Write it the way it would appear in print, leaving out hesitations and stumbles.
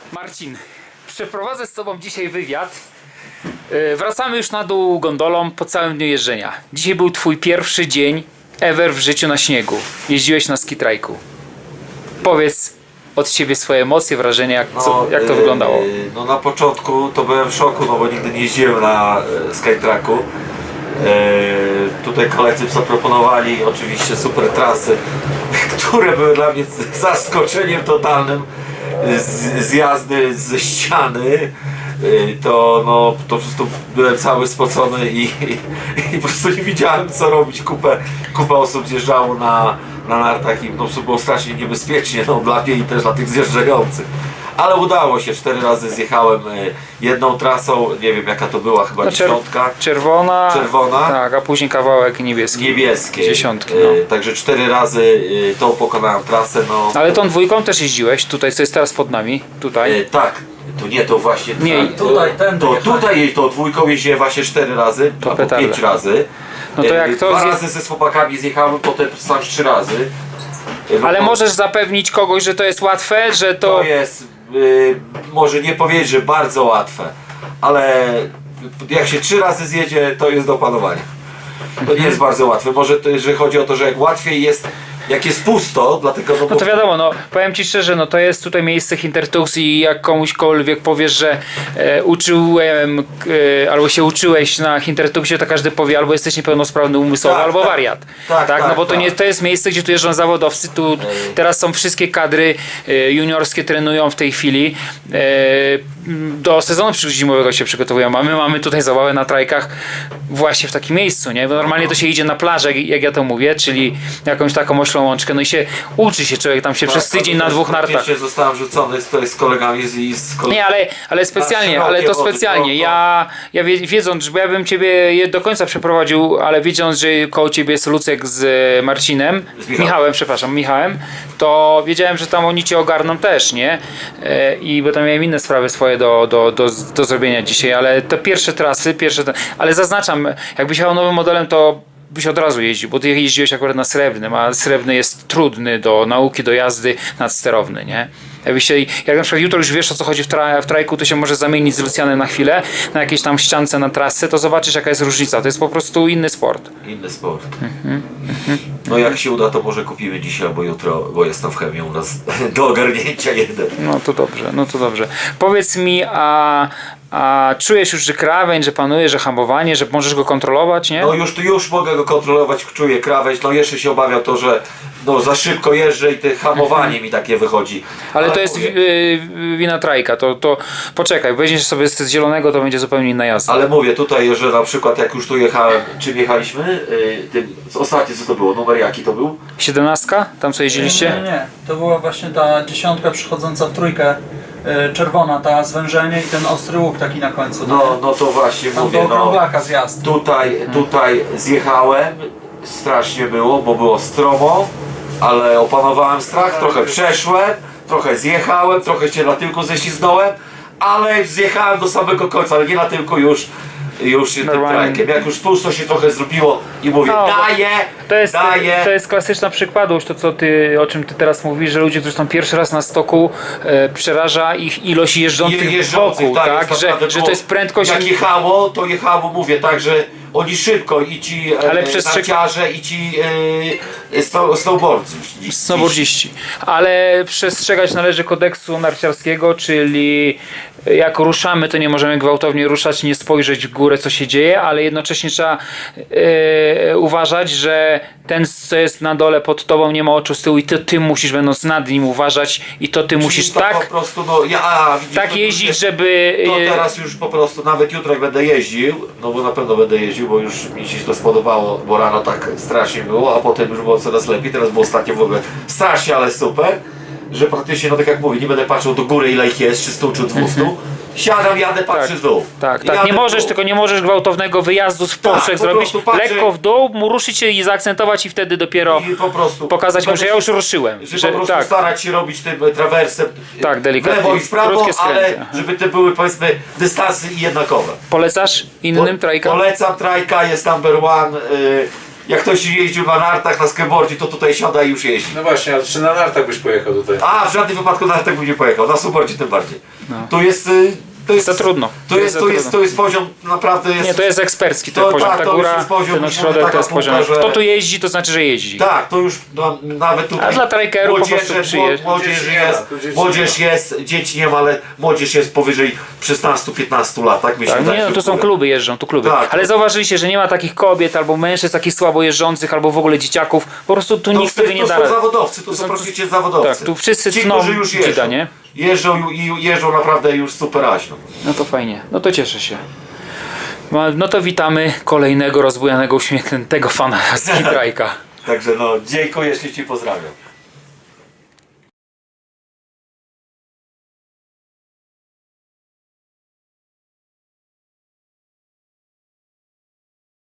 Marcin, przeprowadzę z Tobą dzisiaj wywiad. Wracamy już na dół gondolą po całym dniu jeżdżenia. Dzisiaj był Twój pierwszy dzień ever w życiu na śniegu. Jeździłeś na skitrajku. Powiedz od Ciebie swoje emocje, wrażenia, jak to wyglądało. No na początku to byłem w szoku, no bo nigdy nie jeździłem na Skytracku. Tutaj koledzy zaproponowali oczywiście super trasy, które były dla mnie zaskoczeniem totalnym. Zjazdy ze ściany, to po prostu byłem cały spocony i po prostu nie wiedziałem co robić. Kupę osób zjeżdżało na nartach i po prostu było strasznie niebezpiecznie, no dla mnie i też dla tych zjeżdżających. Ale udało się, 4 razy zjechałem jedną trasą, nie wiem jaka to była, chyba 10. Czerwona, Czerwona. tak, a później kawałek niebieski. Niebieskie. 10. No. Także 4 razy tą pokonałem trasę. No. Ale tą dwójką też jeździłeś, tutaj co jest teraz pod nami, tutaj. Tak, to nie, to właśnie. Nie, tutaj to dwójką jeździłem właśnie 4 razy, To albo 5 razy. No to jak to 2 razy ze chłopakami zjechałem, potem sam 3 razy. Ale możesz zapewnić kogoś, że to jest łatwe, że To jest, może nie powiedzieć, że bardzo łatwe, ale jak się 3 razy zjedzie, to jest do opanowania. To nie jest bardzo łatwe. Może to, że chodzi o to, że jak łatwiej jest, jak jest pusto, dlatego No to wiadomo, no powiem Ci szczerze, no to jest tutaj miejsce Hintertux i jak komuśkolwiek powiesz, że uczyłem albo się uczyłeś na Hintertuxie, to każdy powie albo jesteś niepełnosprawny umysłowo, Tak, albo tak. wariat. Tak, no bo to tak. nie to jest miejsce, gdzie tu jeżdżą zawodowcy, tu teraz są wszystkie kadry juniorskie trenują w tej chwili. Do sezonu zimowego się przygotowują, a my mamy tutaj zabawę na trajkach właśnie w takim miejscu, nie? Bo normalnie to się idzie na plażę, jak ja to mówię, czyli jakąś taką oślą łączkę, no i się uczy się człowiek tam się przez tydzień na 2 nartach. Zostałem rzucony z kolegami z kolegami. Nie, ale specjalnie, ale to specjalnie. Ja wiedząc, bo ja bym Ciebie do końca przeprowadził, ale wiedząc, że koło Ciebie jest Lucek z Marcinem, Michałem, to wiedziałem, że tam oni Cię ogarną też, nie? I bo tam miałem inne sprawy swoje do zrobienia dzisiaj, ale te pierwsze trasy, ale zaznaczam, jakbyś jechał nowym modelem, to byś od razu jeździł, bo ty jeździłeś akurat na srebrnym, a srebrny jest trudny do nauki, do jazdy nadsterowny, nie? Jak na przykład jutro już wiesz o co chodzi w trajku, to się może zamienić z Lucjanem na chwilę, na jakiejś tam ściance na trasę, to zobaczysz jaka jest różnica, to jest po prostu inny sport. Inny sport. No jak się uda, to może kupimy dzisiaj albo jutro, bo jest tam w chemii u nas do ogarnięcia jeden. No to dobrze. Powiedz mi, a czujesz już, że krawędź, że panuje, że hamowanie, że możesz go kontrolować, nie? No już mogę go kontrolować, czuję krawędź, no jeszcze się obawiam to, że no za szybko jeżdżę i te hamowanie mi takie wychodzi. Ale to jest wina trajka, to poczekaj, weźmiesz sobie z zielonego, to będzie zupełnie inna jazda. Ale mówię tutaj, że na przykład jak już tu jechałem, czym jechaliśmy? Ostatnie co to było? Numer jaki to był? 17? Tam co jeździliście? Nie, to była właśnie ta 10 przychodząca w trójkę, czerwona, ta zwężenie i ten ostry łuk taki na końcu. No to właśnie tam mówię, do okrąglaka zjazd. Tutaj zjechałem, strasznie było, bo było stromo, ale opanowałem strach, trochę przeszłem, trochę zjechałem, trochę się na tyłku ześliznąłem, ale zjechałem do samego końca, ale nie na tyłku już tym trajkiem. Jak już pusto się trochę zrobiło i mówię, daję. To jest klasyczna przykładowość, o czym ty teraz mówisz, że ludzie, którzy są pierwszy raz na stoku, przeraża ich ilość jeżdżących wokół, tak? Że to jest prędkość. Jak jechało, mówię tak, że oni szybko i ci narciarze i ci snowboardziści. Ale przestrzegać należy kodeksu narciarskiego, czyli jak ruszamy, to nie możemy gwałtownie ruszać, nie spojrzeć w górę, co się dzieje, ale jednocześnie trzeba uważać, że ten, co jest na dole pod tobą, nie ma oczu z tyłu i ty musisz, będąc nad nim, uważać i to ty musisz tak po prostu, jeździć, żeby... To teraz już po prostu, nawet jutro jak będę jeździł, no bo na pewno będę jeździł, bo już mi się to spodobało, bo rano tak strasznie było, a potem już było coraz lepiej, teraz było ostatnio w ogóle strasznie, ale super, że praktycznie, no tak jak mówię, nie będę patrzył do góry ile ich jest, czy 100 czy 200, siadam, jadę, patrzę w dół. Tak, tylko nie możesz gwałtownego wyjazdu z poprzek zrobić, lekko w dół, mu ruszyć się i zaakcentować i wtedy dopiero pokazać mu, że ja już ruszyłem. Że po prostu starać się robić tym trawersem w lewo i w prawo, ale żeby te były powiedzmy dystansy jednakowe. Polecasz innym trajka? Polecam trajka, jest number one. jak ktoś jeździł na nartach, na skateboardzie, to tutaj siada i już jeździ. No właśnie, ale czy na nartach byś pojechał tutaj? A, w żadnym wypadku na nartach bym nie pojechał, na snowboardzie tym bardziej. To jest... To jest Za trudno. To jest poziom naprawdę jest... Nie, to jest ekspercki ten To- poziom. tak, Ta to już góra, jest poziom, ten już ośrodek taka to jest poziom. półka, że- Kto tu jeździ, to znaczy, że jeździ. Tak, to już nawet tutaj... A dla trekerów po prostu przyjeżdża. Młodzież Dzieci nie ma, jest, tu dzieci młodzież nie ma. jest, dzieci nie ma, ale młodzież jest powyżej 16-15 lat, tak mi się Tak, wydaje, nie, no że tu są w ogóle. kluby, jeżdżą tu kluby. Tak. Ale zauważyliście, że nie ma takich kobiet albo mężczyzn takich słabo jeżdżących, albo w ogóle dzieciaków. Po prostu tu nikt sobie nie da To są rady. zawodowcy, to są praktycznie zawodowcy. Tak, tu wszyscy Ci, tną którzy już dzida, jeżdżą. nie? Jeżdżą i jeżdżą naprawdę już super aźno. No to fajnie, no to cieszę się. No to witamy kolejnego rozbujanego, uśmiechniętego fana z Kitrajka. Także no, dziękuję, jeśli Ci pozdrawiam.